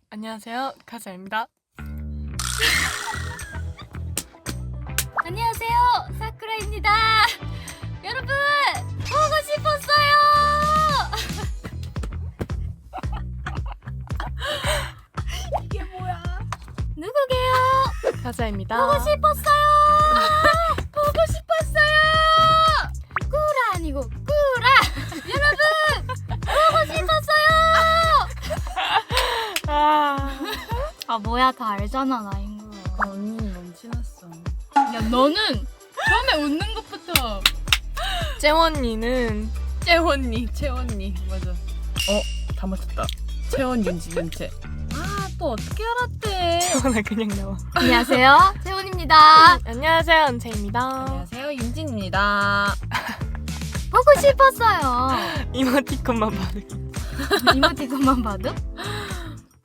안녕하세요, 카자입니다. 안녕하세요, 사쿠라입니다. 여러분, 보고 싶었어요. 이게 뭐야? 누구게요? 카자입니다. 보고 싶었어요. 보고 싶었어요. 꾸라 아니고 꾸라. 여러분, 보고 싶었어요. 아 뭐야, 다 알잖아 나인 거. 언니 너무 친했어. 야 너는 처음에 웃는 것부터. 째원이는 채원니 맞아. 다 맞췄다. 채원 윤지 윤채. 또 어떻게 알았대? 째원아 그냥 나와. 안녕하세요, 채원입니다. 안녕하세요, 은채입니다. 안녕하세요 윤진입니다. 보고 싶었어요. 이모티콘만 받을게. 이모티콘만 봐도?